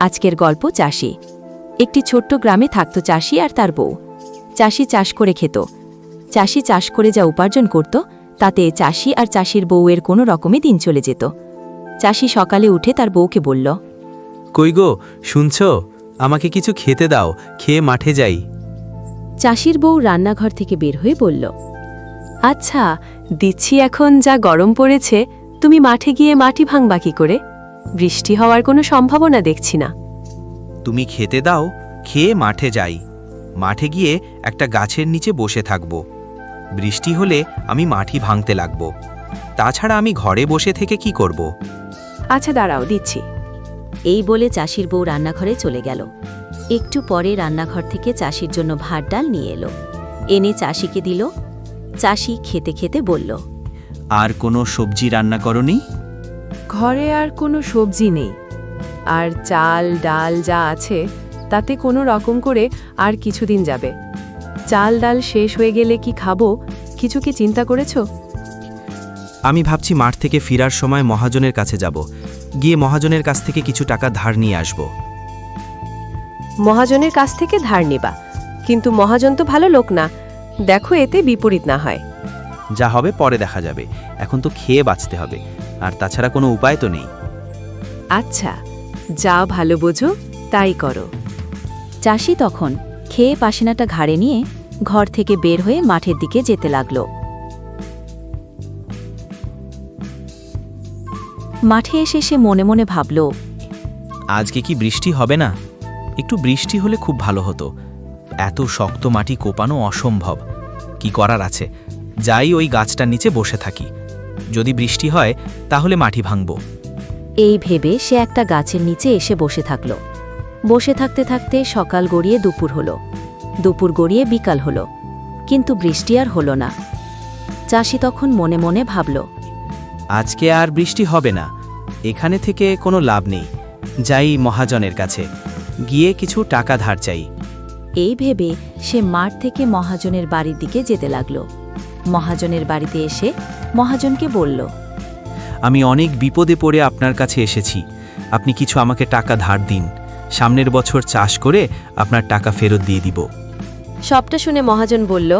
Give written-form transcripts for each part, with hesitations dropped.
আজকের গল্প চাষি। একটি ছোট্ট গ্রামে থাকত চাষি আর তার বউ। চাষি চাষ করে খেত। চাষি চাষ করে যা উপার্জন করত তাতে চাষি আর চাষির বউয়ের কোনো রকমে দিন চলে যেত। চাষি সকালে উঠে তার বউকে বলল, কই গো, শুনছ? আমাকে কিছু খেতে দাও, খেয়ে মাঠে যাই। চাষির বউ রান্নাঘর থেকে বের হয়ে বলল, আচ্ছা দিচ্ছি, এখন যা গরম পড়েছে তুমি মাঠে গিয়ে মাটি ভাঙবা কি করে? বৃষ্টি হওয়ার কোনো সম্ভাবনা দেখছি না। তুমি খেতে দাও, খেয়ে মাঠে যাই। মাঠে গিয়ে একটা গাছের নিচে বসে থাকব। বৃষ্টি হলে আমি মাটি ভাঙতে লাগব। তাছাড়া আমি ঘরে বসে থেকে কি করব? আচ্ছা দাঁড়াও, দিচ্ছি। এই বলে চাষির বউ রান্নাঘরে চলে গেল। একটু পরে রান্নাঘর থেকে চাষির জন্য ভাত ডাল নিয়ে এলো। এনে চাষিকে দিল। চাষি খেতে খেতে বলল, আর কোনো সবজি রান্না করনি? ঘরে আর কোনো সবজি নেই, আর চাল ডাল যা আছে তাতে কোনো রকম করে আর কিছুদিন যাবে। চাল ডাল শেষ হয়ে গেলে কি খাবো, কিছু কি চিন্তা করেছো? আমি ভাবছি মাঠ থেকে ফেরার সময় মহাজনের কাছে যাব, গিয়ে মহাজনের কাছ থেকে কিছু টাকা ধার নিয়ে আসব। মহাজনের কাছ থেকে ধার নিবা, কিন্তু মহাজন তো ভালো লোক না, দেখো এতে বিপরীত না হয়। যা হবে পরে দেখা যাবে, এখন তো খেয়ে বাঁচতে হবে, আর তাছাড়া কোনো উপায় তো নেই। আচ্ছা, যা ভালো বোঝো তাই করো। চাষি তখন খেয়ে পাসিনাটা ঘাড়ে নিয়ে ঘর থেকে বের হয়ে মাঠের দিকে যেতে লাগল। মাঠে এসে সে মনে মনে ভাবল, আজকে কি বৃষ্টি হবে না? একটু বৃষ্টি হলে খুব ভালো হতো। এত শক্ত মাটি কোপানো অসম্ভব। কি করার আছে, যাই ওই গাছটার নিচে বসে থাকি। যদি বৃষ্টি হয় তাহলে মাটি ভাঙব। এই ভেবে সে একটা গাছের নিচে এসে বসে থাকল। বসে থাকতে থাকতে সকাল গড়িয়ে দুপুর হল, দুপুর গড়িয়ে বিকাল হল, কিন্তু বৃষ্টি আর হল না। চাষি তখন মনে মনে ভাবল, আজকে আর বৃষ্টি হবে না, এখানে থেকে কোনো লাভ নেই। যাই মহাজনের কাছে, গিয়ে কিছু টাকা ধার চাই। এই ভেবে সে মাঠ থেকে মহাজনের বাড়ির দিকে যেতে লাগল। মহাজনের বাড়িতে এসে মহাজনকে বলল, আমি অনেক বিপদে পড়ে আপনার কাছে এসেছি, আপনি কিছু আমাকে টাকা ধার দিন। সামনের বছর চাষ করে আপনার টাকা ফেরত দিয়ে দিব। সবটা শুনে মহাজন বলল,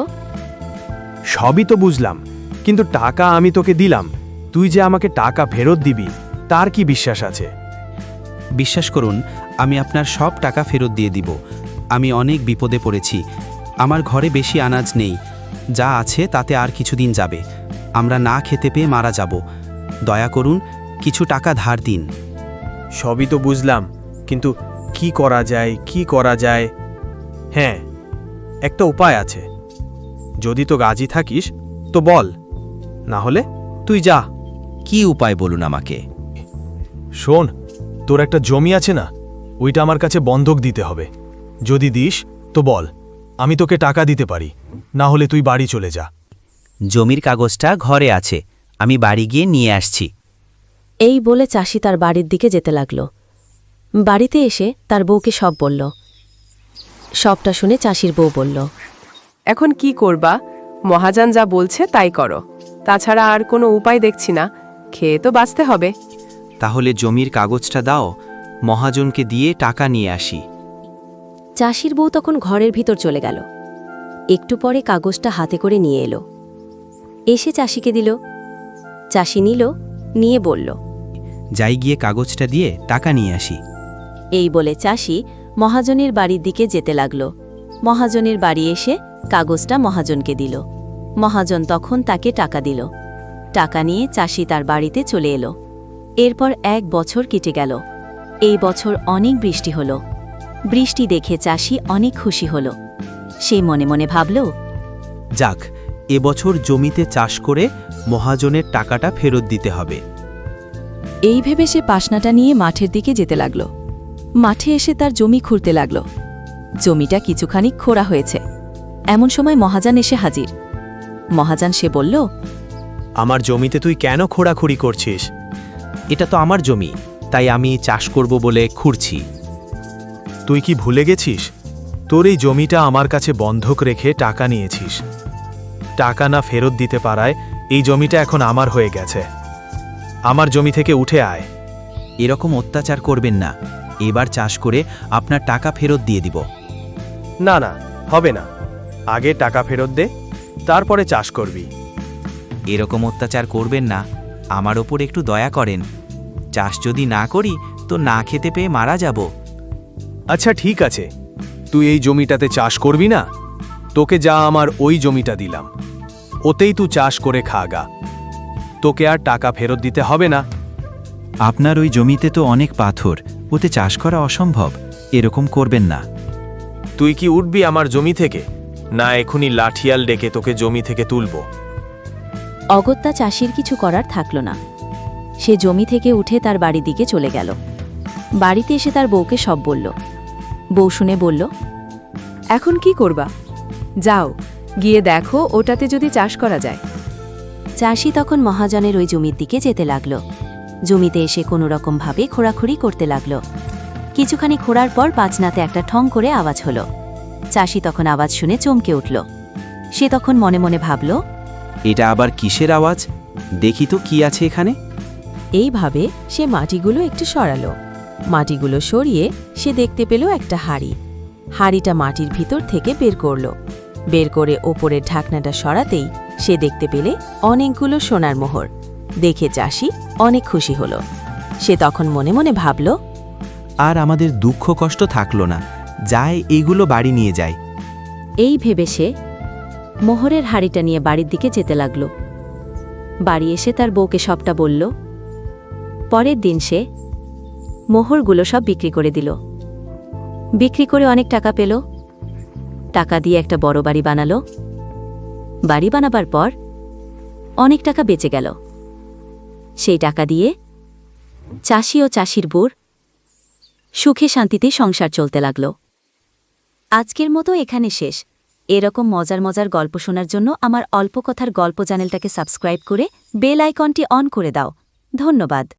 সবই তো বুঝলাম, কিন্তু টাকা আমি তোকে দিলাম, তুই যে আমাকে টাকা ফেরত দিবি তার কি বিশ্বাস আছে? বিশ্বাস করুন, আমি আপনার সব টাকা ফেরত দিয়ে দিব। আমি অনেক বিপদে পড়েছি, আমার ঘরে বেশি আনাজ নেই, যা আছে তাতে আর কিছুদিন যাবে। আমরা না খেতে পেয়ে মারা যাব। দয়া করুন, কিছু টাকা ধার দিন। সবই তো বুঝলাম, কিন্তু কি করা যায়, কি করা যায়? হ্যাঁ, একটা উপায় আছে। যদি তো রাজি থাকিস তো বল, না হলে তুই যা। কি উপায় বলুন আমাকে? শোন, তোর একটা জমি আছে না, ওইটা আমার কাছে বন্ধক দিতে হবে। যদি দিস তো বল, আমি তোকে টাকা দিতে পারি, না হলে তুই বাড়ি চলে যা। জমির কাগজটা ঘরে আছে, আমি বাড়ি গিয়ে নিয়ে আসছি। এই বলে চাষি তার বাড়ির দিকে যেতে লাগল। বাড়িতে এসে তার বউকে সব বলল। সবটা শুনে চাষির বউ বলল, এখন কি করবা? মহাজন যা বলছে তাই করো, তাছাড়া আর কোনো উপায় দেখছি না, খেয়ে তো বাঁচতে হবে। তাহলে জমির কাগজটা দাও, মহাজনকে দিয়ে টাকা নিয়ে আসি। চাষির বউ তখন ঘরের ভিতর চলে গেল। একটু পরে কাগজটা হাতে করে নিয়ে এলো। এসে চাষিকে দিল। চাষি নিল, নিয়ে বলল, যাই গিয়ে কাগজটা দিয়ে টাকা নিয়ে আসি। এই বলে চাষি মহাজনের বাড়ির দিকে যেতে লাগল। মহাজনের বাড়ি এসে কাগজটা মহাজনকে দিল। মহাজন তখন তাকে টাকা দিল। টাকা নিয়ে চাষি তার বাড়িতে চলে এলো। এরপর 1 বছর কেটে গেল। এই বছর অনেক বৃষ্টি হল। বৃষ্টি দেখে চাষি অনেক খুশি হল। সে মনে মনে ভাবল, যাক, এবছর জমিতে চাষ করে মহাজনের টাকাটা ফেরত দিতে হবে। এই ভেবে সে পাসনাটা নিয়ে মাঠের দিকে যেতে লাগল। মাঠে এসে তার জমি খুঁড়তে লাগল। জমিটা কিছুখানি খোঁড়া হয়েছে। এমন সময় মহাজন এসে হাজির। মহাজন সে বলল, আমার জমিতে তুই কেন খোঁড়াখুড়ি করছিস? এটা তো আমার জমি, তাই আমি চাষ করব বলে খুঁড়ছি। তুই কি ভুলে গেছিস? তোর এই জমিটা আমার কাছে বন্ধক রেখে টাকা নিয়েছিস। টাকা না ফেরত দিতে পারায় এই জমিটা এখন আমার হয়ে গেছে। আমার জমি থেকে উঠে আয়। এরকম অত্যাচার করবেন না, এবার চাষ করে আপনার টাকা ফেরত দিয়ে দিব। না না, হবে না। আগে টাকা ফেরত দে, তারপরে চাষ করবি। এরকম অত্যাচার করবেন না, আমার ওপর একটু দয়া করেন। চাষ যদি না করি তো না খেতে পেয়ে মারা যাব। আচ্ছা ঠিক আছে, তুই এই জমিটাতে চাষ করবি না? তোকে যা আমার ওই জমিটা দিলাম, ওতেই তুই চাষ করে খাগা। তোকে আর টাকা ফেরত দিতে হবে না। আপনার ওই জমিতে তো অনেক পাথর, ওতে চাষ করা অসম্ভব। এরকম করবেন না। তুই কি উঠবি আমার জমি থেকে, না এখনই লাঠিয়াল ডেকে তোকে জমি থেকে তুলব? অগত্যা চাষির কিছু করার থাকল না। সে জমি থেকে উঠে তার বাড়ির দিকে চলে গেল। বাড়িতে এসে তার বউকে সব বলল। বউ শুনে বলল, এখন কি করবা? যাও, গিয়ে দেখো ওটাতে যদি চাষ করা যায়। চাষি তখন মহাজনের ওই জমির দিকে যেতে লাগল। জমিতে এসে কোনো রকমভাবে খোঁড়াখুড়ি করতে লাগল। কিছুখানি খোঁড়ার পর বাজনাতে একটা ঠং করে আওয়াজ হলো। চাষি তখন আওয়াজ শুনে চমকে উঠল। সে তখন মনে মনে ভাবল, এটা আবার কিসের আওয়াজ? দেখি তো কি আছে এখানে। এইভাবে সে মাটিগুলো একটু সরালো। মাটিগুলো সরিয়ে সে দেখতে পেল একটা হাঁড়ি। হাঁড়িটা মাটির ভিতর থেকে বের করল। বের করে ওপরের ঢাকনাটা সরাতেই সে দেখতে পেলে অনেকগুলো সোনার মোহর। দেখে চাষি অনেক খুশি হল। সে তখন মনে মনে ভাবল, আর আমাদের দুঃখ কষ্ট থাকলো না, যায় এইগুলো বাড়ি নিয়ে যায়। এই ভেবে সে মোহরের হাঁড়িটা নিয়ে বাড়ির দিকে যেতে লাগল। বাড়ি এসে তার বউকে সবটা বলল। পরের দিন সে মোহরগুলো সব বিক্রি করে দিল। বিক্রি করে অনেক টাকা পেল। টাকা দিয়ে একটা বড় বাড়ি বানালো। বাড়ি বানাবার পর অনেক টাকা বেঁচে গেল। সেই টাকা দিয়ে চাষি ও চাষির বউর সুখে শান্তিতে সংসার চলতে লাগল। আজকের মতো এখানে শেষ। এরকম মজার মজার গল্প শোনার জন্য আমার অল্প কথার গল্প চ্যানেলটাকে সাবস্ক্রাইব করে বেল আইকনটি অন করে দাও। ধন্যবাদ।